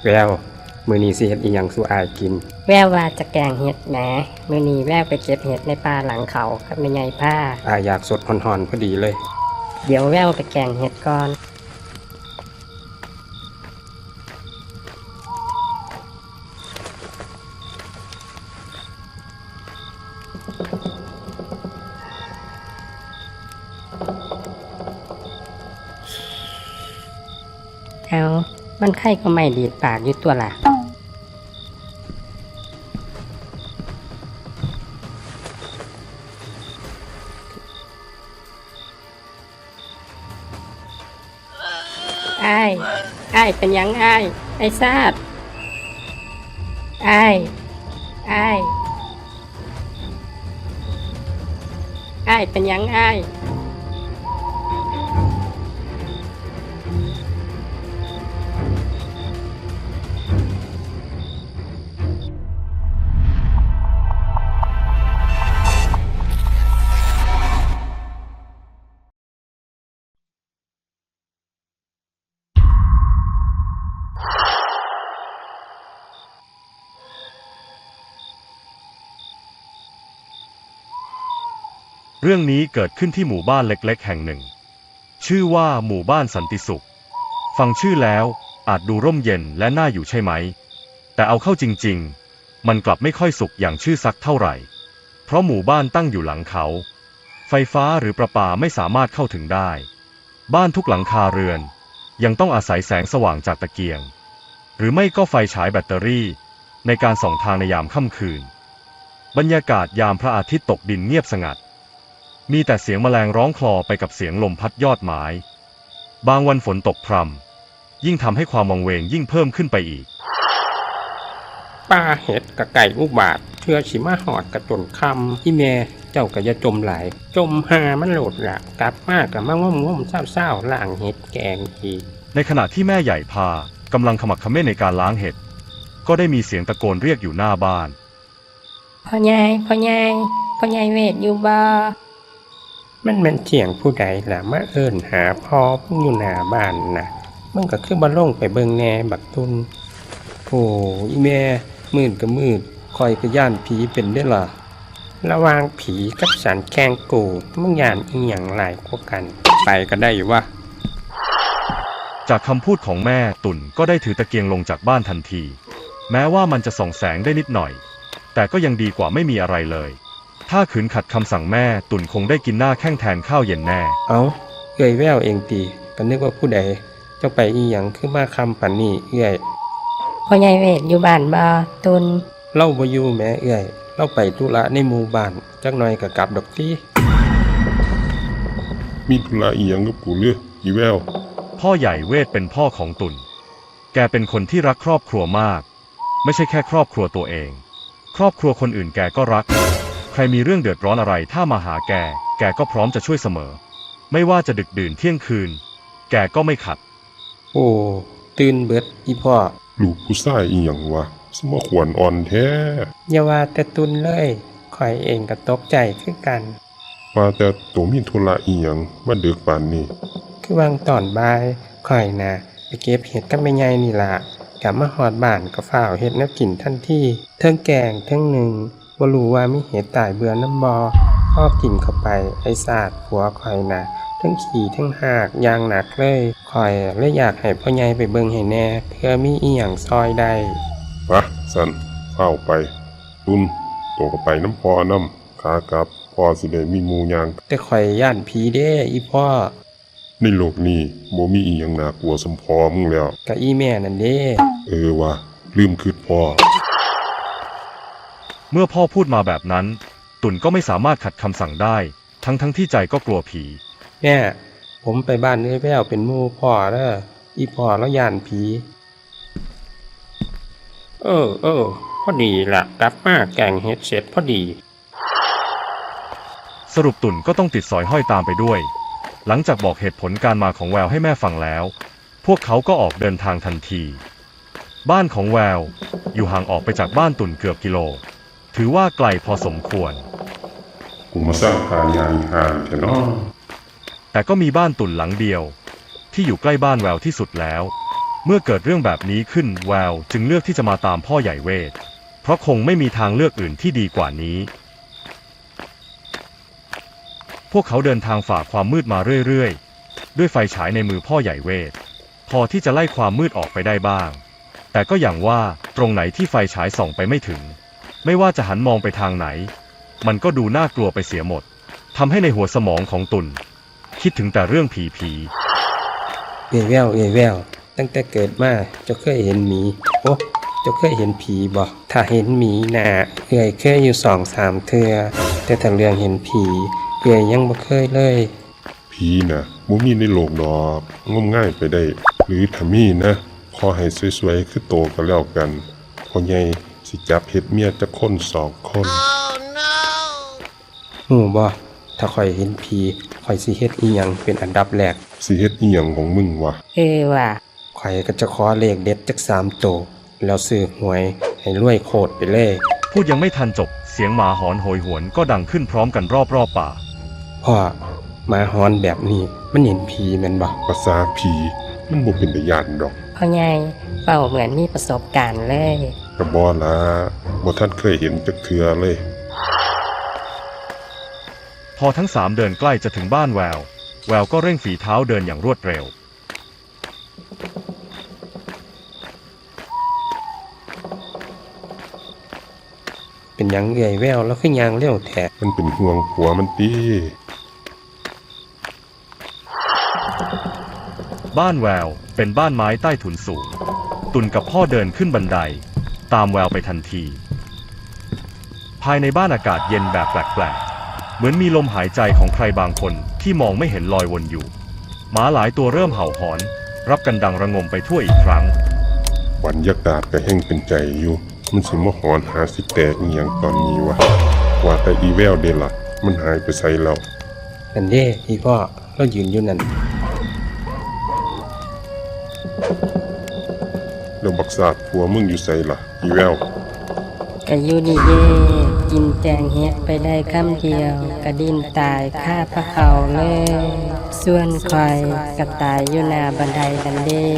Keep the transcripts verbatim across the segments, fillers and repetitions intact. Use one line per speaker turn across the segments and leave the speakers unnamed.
แววมื้อนี้สิเฮ็ดอีหยังสู่อายกิน
แววว่าจะแกงเห็ดแหมมื้อนี้แววไปเก็บเห็ดในป่าหลังเขากับแม่ใหญ่ผ้า
อายอยากสดฮ้อนๆพอดีเลย
เดี๋ยวแววไปแกงเห็ดก่อนเอามันไข่ก็ไม่ดีดปากอยู่ตัวล่ะไอ้ไอ้เป็นยังไอ้ไอ้ซาดไอ้ไอ้ไอ้เป็นยังไอ้
เรื่องนี้เกิดขึ้นที่หมู่บ้านเล็กๆแห่งหนึ่งชื่อว่าหมู่บ้านสันติสุขฟังชื่อแล้วอาจดูร่มเย็นและน่าอยู่ใช่ไหมแต่เอาเข้าจริงๆมันกลับไม่ค่อยสุขอย่างชื่อสักเท่าไหร่เพราะหมู่บ้านตั้งอยู่หลังเขาไฟฟ้าหรือประปาไม่สามารถเข้าถึงได้บ้านทุกหลังคาเรือนยังต้องอาศัยแสงสว่างจากตะเกียงหรือไม่ก็ไฟฉายแบตเตอรี่ในการส่องทางในยามค่ำคืนบรรยากาศยามพระอาทิตย์ตกดินเงียบสงัดมีแต่เสียงแมลงร้องคลอไปกับเสียงลมพัดยอดไม้บางวันฝนตกพรำยิ่งทำให้ความวังเวงยิ่งเพิ่มขึ้นไปอีก
ป้าเห็ดกะไก่อุบาทเชื่อชิมาหอดกระจนคำที่แม่เจ้าก็อย่าจมหลายจมหามันโหลดละกลับมากกับมาง่วมๆเศร้าๆล่างเห็ดแกงอีก
ในขณะที่แม่ใหญ่พากำลังขมักเขม้นในการล้างเห็ดก็ได้มีเสียงตะโกนเรียกอยู่หน้าบ้าน
พ่อใหญ่พ่อใหญ่พ่อใหญ่เวทอยู่บ่
มันเป็นเสียงผู้ใดล่ะมาเอิ้นหาพ่อพุ่งอยู่หน้าบ้านน่ะมันก็คือบ่ลงไปเบิ่งแหน่บักตุนโอ้อีแม่มืดก็มืดคอยก็ย่านผีเป็นได้ล่ะระหว่างผีกับสันแกงกูมึงย่านอีหยังหลายกว่ากันไปก็ได้อยู่วะ
จากคำพูดของแม่ตุ่นก็ได้ถือตะเกียงลงจากบ้านทันทีแม้ว่ามันจะส่องแสงได้นิดหน่อยแต่ก็ยังดีกว่าไม่มีอะไรเลยถ้าขืนขัดคำสั่งแม่ตุ่นคงได้กินหน้าแข้งแทนข้าวเย็นแน่
เอ้าเอื้อยแววเองตีก็นึกว่าผู้ใดเจ้าไปอีหยังคือมาคำปันนี่เอื้อย
พ่อใหญ่เวทอยู่บ้านบ่ตุน
เล่าบ่อยู่แม่เอื้อยเล่าไปธุระในหมู่บ้านจักหน่อยก็กลับดอกติ
มีธุระอีหยังกับกูเลืออีแวว
พ่อใหญ่เวทเป็นพ่อของตุ่นแกเป็นคนที่รักครอบครัวมากไม่ใช่แค่ครอบครัวตัวเองครอบครัวคนอื่นแกก็รักใครมีเรื่องเดือดร้อนอะไรถ้ามาหาแกแกก็พร้อมจะช่วยเสมอไม่ว่าจะดึกดื่นเที่ยงคืนแกก็ไม่ขัด
โอ้ตื่นเบิดอีพ่อ
ลูกผู้ชายอีหยังวะสมควรอ่อนแท้
อย่าว่าแต่ตุนเลยข่อยเองก็ตกใจคือกัน
ว่าแต่ตัวมีธุระอีหยังมาดึกปานนี้
คือวางตอนบ่ายข่อยน่ะไปเก็บเห็ดกับแม่ใหญ่นี่ล่ะกลับมาฮอดบ้านก็ฟ้าวเฮ็ดแนวกินทันทีเทิงแกงเทิงหนึ่งบ่รู้ว่ามีเห็ดตายเบื่อน้ำบ่พอกินเข้าไปไอ้ซาดผัวข่อยน่ะทั้งขี่ทั้งหากอย่างหนักเลยข่อยเลยอยากให้พ่อใหญ่ไปเบิ่งให้แน่เพื่อมีอีหยังซอยได้
วะสันเข้าไปตุนโตก็ไปน้ำพอน้ำขากลับพ่อสิได้มีหมู่ย่าง
แต่ข่อยย่านผีเด้อีพ่อ
ในโลกนี้บ่มีอีหยังน่ากลัวสำพอมึงแล้ว
กะอีแม่นั่นเด้
เออวะลืมคิดพ่อ
เมื่อพ่อพูดมาแบบนั้นตุ่นก็ไม่สามารถขัดคำสั่งได้ทั้งทั้งที่ใจก็กลัวผี
แม่ผมไปบ้านเอ้ยแววเป็นหมู่พ่อเด้ออีพ่อแล้วย่านผีเออเออพอดีล่ะกลับมาแกงเฮ็ดเสร็จพอดี
สรุปตุ่นก็ต้องติดสอยห้อยตามไปด้วยหลังจากบอกเหตุผลการมาของแววให้แม่ฟังแล้วพวกเขาก็ออกเดินทางทันทีบ้านของแววอยู่ห่างออกไปจากบ้านตุ่นเกือบกิโลถือว่าไกลพอสมควร
กูมาสร้างพายางห่างแค่น้อ
แต่ก็มีบ้านตุ่นหลังเดียวที่อยู่ใกล้บ้านแววที่สุดแล้วเมื่อเกิดเรื่องแบบนี้ขึ้นแววจึงเลือกที่จะมาตามพ่อใหญ่เวทเพราะคงไม่มีทางเลือกอื่นที่ดีกว่านี้พวกเขาเดินทางฝ่าความมืดมาเรื่อยๆด้วยไฟฉายในมือพ่อใหญ่เวทพอที่จะไล่ความมืดออกไปได้บ้างแต่ก็อย่างว่าตรงไหนที่ไฟฉายส่องไปไม่ถึงไม่ว่าจะหันมองไปทางไหนมันก็ดูน่ากลัวไปเสียหมดทำให้ในหัวสมองของตุ่นคิดถึงแต่เรื่องผีผี
เอ้ยแววเอ้ยแววตั้งแต่เกิดมาเจ้าเคยเห็นหมีโอ้เจ้าเคยเห็นผีบ่ถ้าเห็นหมีน่ะเอ้ยเคยอยู่สองสามเทื่อแต่ถ้าเรื่องเห็นผีเอ้ยยังบ่เคยเลย
ผีน่ะบ่มีในโลกดอกงมง่ายไปได้หรือถ้ามีนะขอให้สวยๆคือโตก็แล้วกันพ่อใหญ่สิจับเฮ็ดเมียจักคนสองคน
ฮู้บ่ถ้าข่อยเห็นผีข่อยสิเฮ็ดอีหยังเป็นอันดับแรก
สิเฮ็ดอีหยังของมึงวะ
เออว่ะ
ข่อยก็จะขอเลขเด็ดจักสามโตแล้วซื้อหวยให้รวยโคตรไปเลย
พูดยังไม่ทันจบเสียงหมาหอนโหยหวนก็ดังขึ้นพร้อมกันรอบๆป่า
พ่อหมาหอนแบบนี้มันเห็นผีแม่นบ่
ภาษาผีมันบ่เป็นตาย้านดอก
พ่อใหญ่เป้าเหมือนมีประสบการณ์เลย
ก็บ่ล่ะบ่ทันเคยเห็นจักเทื่อเลย
พอทั้งสามเดินใกล้จะถึงบ้านแววแววก็เร่งฝีเท้าเดินอย่างรวดเร็ว
เป็นหยังเอื้อยแววแล้วคือย่างเร็วแท้
มันเป็นห่วงผัวมันติ
บ้านแววเป็นบ้านไม้ใต้ถุนสูงตุ่นกับพ่อเดินขึ้นบันไดตามแววไปทันทีภายในบ้านอากาศเย็นแบบแปลกๆเหมือนมีลมหายใจของใครบางคนที่มองไม่เห็นลอยวนอยู่หมาหลายตัวเริ่มเห่าหอนรับกันดังระงมไปทั่วอีกครั้ง
บรรยากาศก็แห้งเป็นใจอยู่มันสิมาหอนหาสิแตกอีหยังตอนนี้วะว่าแต่อีแววเด้ล่ะมันหายไปไสแล้ว
นั่นเด้อีพ่อเรายืนอยู่นั่น
แล้วบักษาดผัวมึงอยู่ไสล่ะอีแวว
ก็อยู่นี่เด้กินแจงเฮ็ดไปได้คำเดียวกระดิ้นตายคาพระเขาเลยส่วนคอยก็ตายอยู่หน้าบันไดนั่นเด้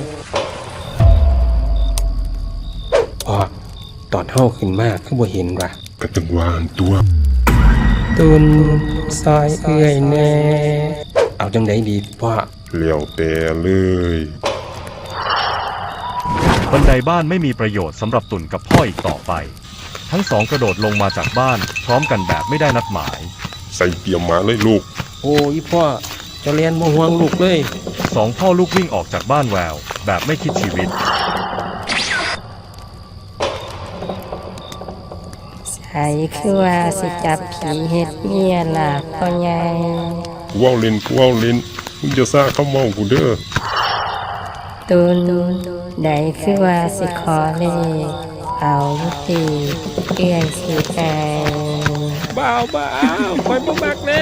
พ่อตอนเฮาขึ้นมาคือบ่เห็นว่ะ
ก็จังว่าหั่นตัว
ตุนซอยเอื้อยแน่เอาจังได๋ดีพ่อ
แล้วแต่เลย
บันไดบ้านไม่มีประโยชน์สำหรับตุ่นกับพ่ออีกต่อไปทั้งสองกระโดดลงมาจากบ้านพร้อมกันแบบไม่ได้นัดหมาย
ใส่เกียร์มาเลยลูก
โอ้ยพ่อจะเรียนบ่ห่วงลูกเลย
สองพ่อลูกวิ่งออกจากบ้านแววแบบไม่คิดชีวิต
ใส่คือว่าสิจับผีเฮ็ดเมียล่ะพ่อใหญ่
กูเอาเล่นกูเอาเล่นมึงจะซ่าเข้าเมากูเด้อ
ตุนได้คือว่าสิขอเลขเอายุติเอื้อยสิไป
บ่าวบ่าวคอยบ่มักเล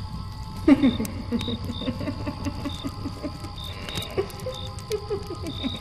ข